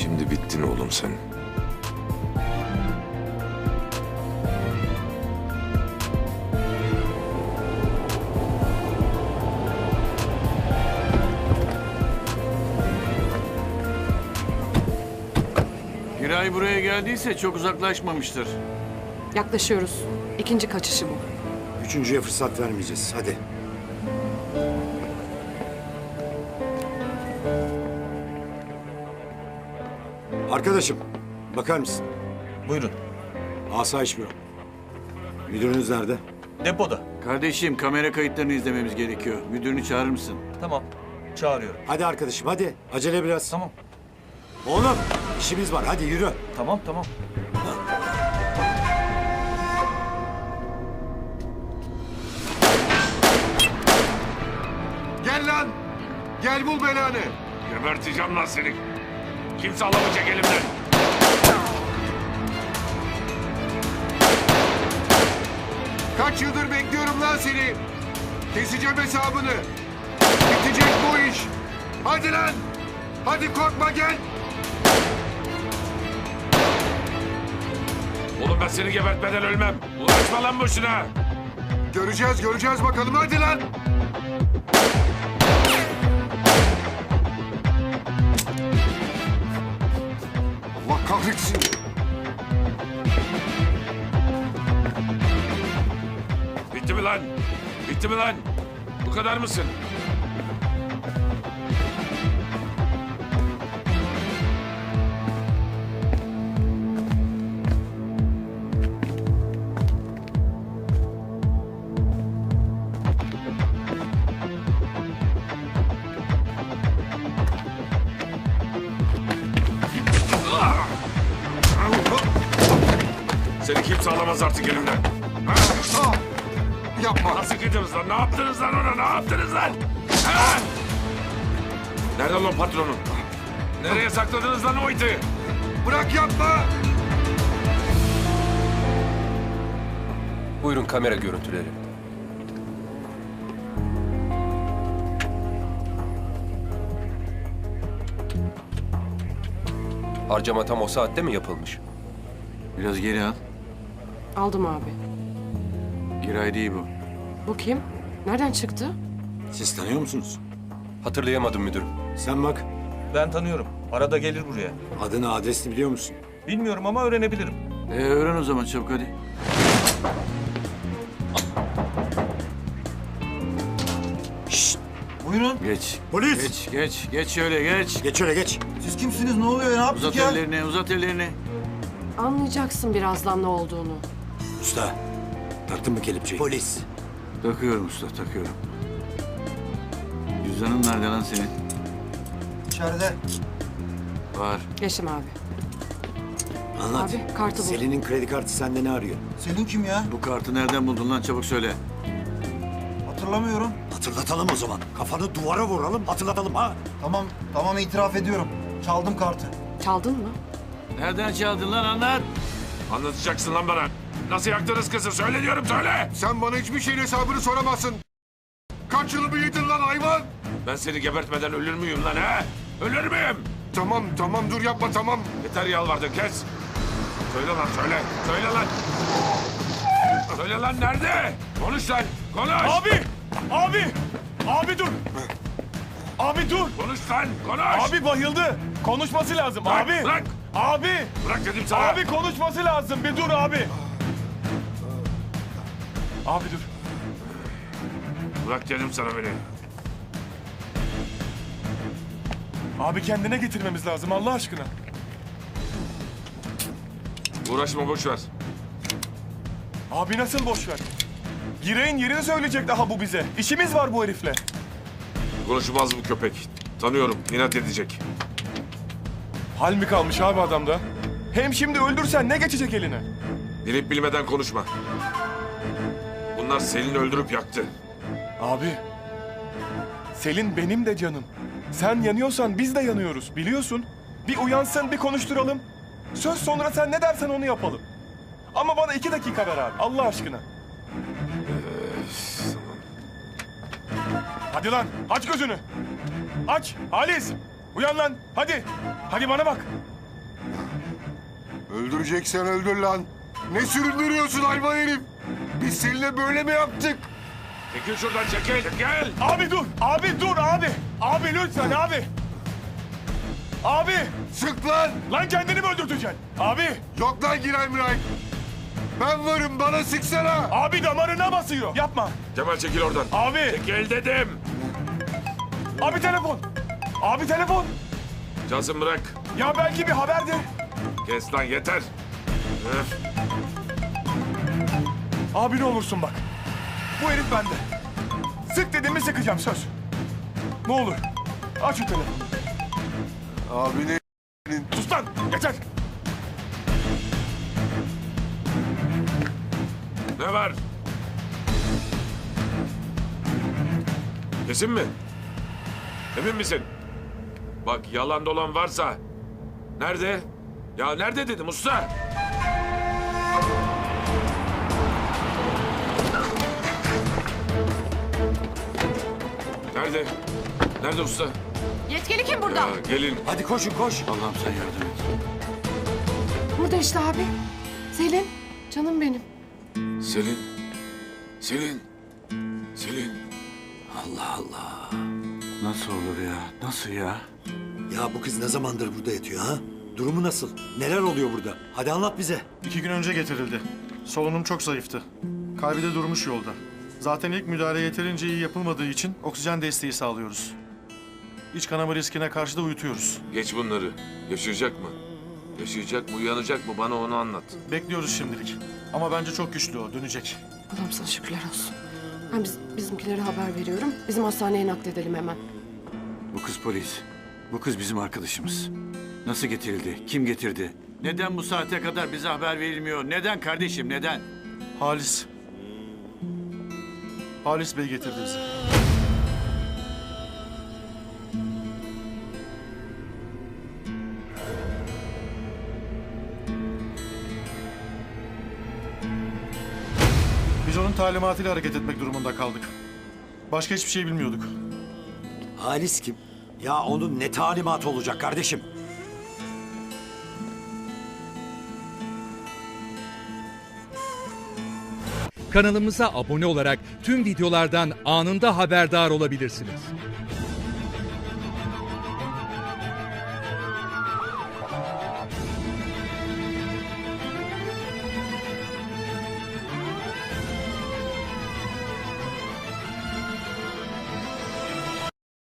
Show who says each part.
Speaker 1: Şimdi bittin oğlum sen.
Speaker 2: Giray buraya geldiyse çok uzaklaşmamıştır.
Speaker 3: Yaklaşıyoruz. İkinci kaçışı bu.
Speaker 4: Üçüncüye fırsat vermeyeceğiz. Hadi. Arkadaşım, bakar mısın?
Speaker 5: Buyurun.
Speaker 4: Asayiş Büro. Müdürünüz nerede?
Speaker 5: Depoda.
Speaker 2: Kardeşim kamera kayıtlarını izlememiz gerekiyor. Müdürünü çağırır mısın?
Speaker 5: Tamam. Çağırıyorum.
Speaker 4: Hadi arkadaşım, hadi. Acele biraz.
Speaker 5: Tamam.
Speaker 4: Oğlum, işimiz var. Hadi yürü.
Speaker 5: Tamam.
Speaker 6: Gel lan! Gel bul belanı!
Speaker 1: Geberteceğim lan seni. Kimse alamayacak elimden.
Speaker 6: Kaç yıldır bekliyorum lan seni! Keseceğim hesabını! Bitecek bu iş! Hadi lan! Hadi korkma gel!
Speaker 1: Oğlum ben seni gebertmeden ölmem. Uğraşma lan boşuna.
Speaker 6: Göreceğiz bakalım hadi lan! Allah kahretsin!
Speaker 1: Bitti mi lan? Bitti mi lan? Bu kadar mısın? Seni kimse alamaz artık elimden.
Speaker 6: Ah! Yapma!
Speaker 1: Nasıl gidiyoruz lan? Ne yaptınız lan ona? Ne yaptınız lan? Ha? Nerede lan patronun? Nereye sakladınız lan o iti?
Speaker 6: Bırak yapma!
Speaker 7: Buyurun kamera görüntüleri. Harcama tam o saatte mi yapılmış?
Speaker 2: Biraz geri al.
Speaker 3: Aldım abi.
Speaker 2: Giray değil bu.
Speaker 3: Bu kim? Nereden çıktı?
Speaker 4: Siz tanıyor musunuz?
Speaker 7: Hatırlayamadım müdürüm.
Speaker 4: Sen bak.
Speaker 5: Ben tanıyorum. Arada gelir buraya.
Speaker 4: Adını, adresini biliyor musun?
Speaker 5: Bilmiyorum ama öğrenebilirim.
Speaker 2: Öğren o zaman çabuk hadi.
Speaker 8: Buyurun.
Speaker 2: Geç.
Speaker 4: Polis!
Speaker 2: Geç şöyle geç.
Speaker 4: Geç şöyle geç.
Speaker 8: Siz kimsiniz? Ne oluyor? Ne yaptık
Speaker 2: Uzat
Speaker 8: ya?
Speaker 2: ellerini, uzat ellerini.
Speaker 3: Anlayacaksın birazdan ne olduğunu.
Speaker 4: Usta, taktın mı kelepçeyi? Polis.
Speaker 2: Takıyorum usta, takıyorum. Cüzdanın nerede lan senin?
Speaker 8: İçeride.
Speaker 2: Var.
Speaker 3: Yaşım abi.
Speaker 4: Anlat.
Speaker 3: Abi, kartı bul.
Speaker 4: Selin'in kredi kartı sende ne arıyor?
Speaker 8: Selin kim ya?
Speaker 2: Bu kartı nereden buldun lan? Çabuk söyle.
Speaker 8: Hatırlamıyorum.
Speaker 4: Hatırlatalım o zaman. Kafanı duvara vuralım, hatırlatalım ha.
Speaker 8: Tamam itiraf ediyorum. Çaldım kartı.
Speaker 3: Çaldın mı?
Speaker 2: Nereden çaldın lan anlat.
Speaker 1: Anlatacaksın lan bana. Nasıl yaktınız kızı? Söyle diyorum söyle.
Speaker 6: Sen bana hiçbir şeyin hesabını soramazsın! Kaç yılımı yedin lan hayvan!
Speaker 1: Ben seni gebertmeden ölür müyüm lan ha? Ölür müyüm?
Speaker 6: Tamam dur yapma tamam!
Speaker 1: Yeter yalvardın kes. Söyle lan söyle. Söyle lan. Söyle lan nerede? Konuş lan. Konuş.
Speaker 9: Abi dur! Abi dur!
Speaker 1: Konuş lan. Konuş.
Speaker 9: Abi bayıldı! Konuşması lazım
Speaker 1: Bırak,
Speaker 9: abi!
Speaker 1: bırak.
Speaker 9: Abi!
Speaker 1: Bırak dedim sana.
Speaker 9: Abi konuşması lazım! Bir dur abi! Abi dur!
Speaker 1: Bırak dedim sana beni.
Speaker 9: Abi kendine getirmemiz lazım Allah aşkına.
Speaker 1: Uğraşma boş ver.
Speaker 9: Abi nasıl boş ver? Giray'ın yerini söyleyecek daha bu bize. İşimiz var bu herifle.
Speaker 1: Konuşmaz bu köpek. Tanıyorum. İnat edecek.
Speaker 9: Hal mi kalmış abi adamda? Hem şimdi öldürsen ne geçecek eline?
Speaker 1: Bilip bilmeden konuşma. Bunlar Selin'i öldürüp yaktı.
Speaker 9: Abi, Selin benim de canım. Sen yanıyorsan biz de yanıyoruz biliyorsun. Bir uyansın bir konuşturalım. Söz sonra sen ne dersen onu yapalım. Ama bana 2 dakika ver abi Allah aşkına. Hadi lan aç gözünü. Aç Halis. Uyan lan hadi. Hadi bana bak.
Speaker 6: Öldüreceksen öldür lan. Ne süründürüyorsun hayvan herif? Biz seninle böyle mi yaptık?
Speaker 1: Çekil şuradan çekil. Gel.
Speaker 9: Abi dur! Abi dur abi! Abi lütfen abi! Abi!
Speaker 6: Sık lan!
Speaker 9: Lan kendini mi öldürteceksin? Abi!
Speaker 6: Yok lan Giray Miray. Ben varım, bana sıksana.
Speaker 9: Abi damarına basıyor. Yapma.
Speaker 1: Cemal çekil oradan.
Speaker 9: Abi!
Speaker 1: Çekil dedim.
Speaker 9: Abi telefon! Abi telefon!
Speaker 1: Cansın bırak.
Speaker 9: Ya belki bir haberdir.
Speaker 1: Kes lan yeter. Öf.
Speaker 9: Abi ne olursun bak. Bu herif bende. Sık dediğimi sıkacağım söz. Ne olur. Aç şu telefonu.
Speaker 6: Abi ne?
Speaker 9: Sus lan yeter.
Speaker 1: Ne var? Kesin mi? Emin misin? Bak yalan dolan varsa. Nerede? Ya nerede dedim usta? Nerede? Nerede usta?
Speaker 3: Yetkili kim burada?
Speaker 1: Ya gelin.
Speaker 4: Hadi koşun koş.
Speaker 2: Allah'ım sen yardım et.
Speaker 3: Burada işte abi. Selin. Canım benim.
Speaker 1: Selin. Selin. Selin.
Speaker 4: Allah Allah.
Speaker 2: Nasıl olur ya? Nasıl ya?
Speaker 4: Ya bu kız ne zamandır burada yatıyor ha? Durumu nasıl? Neler oluyor burada? Hadi anlat bize.
Speaker 10: 2 gün önce getirildi. Solunum çok zayıftı. Kalbi de durmuş yolda. Zaten ilk müdahale yeterince iyi yapılmadığı için oksijen desteği sağlıyoruz. İç kanama riskine karşı da uyutuyoruz.
Speaker 1: Geç bunları. Yaşayacak mı? Yaşayacak mı? Uyanacak mı? Bana onu anlat.
Speaker 10: Bekliyoruz şimdilik. Ama bence çok güçlü o, dönecek.
Speaker 3: Allah'ım sana şükürler olsun. Ben bizimkilere haber veriyorum. Bizim hastaneye nakledelim hemen.
Speaker 2: Bu kız polis. Bu kız bizim arkadaşımız. Nasıl getirildi? Kim getirdi? Neden bu saate kadar bize haber verilmiyor? Neden kardeşim? Neden?
Speaker 10: Halis. Halis Bey getirdi bizi. Biz onun talimatıyla hareket etmek durumunda kaldık. Başka hiçbir şey bilmiyorduk.
Speaker 4: Halis kim? Ya onun ne talimatı olacak kardeşim?
Speaker 11: Kanalımıza abone olarak tüm videolardan anında haberdar olabilirsiniz.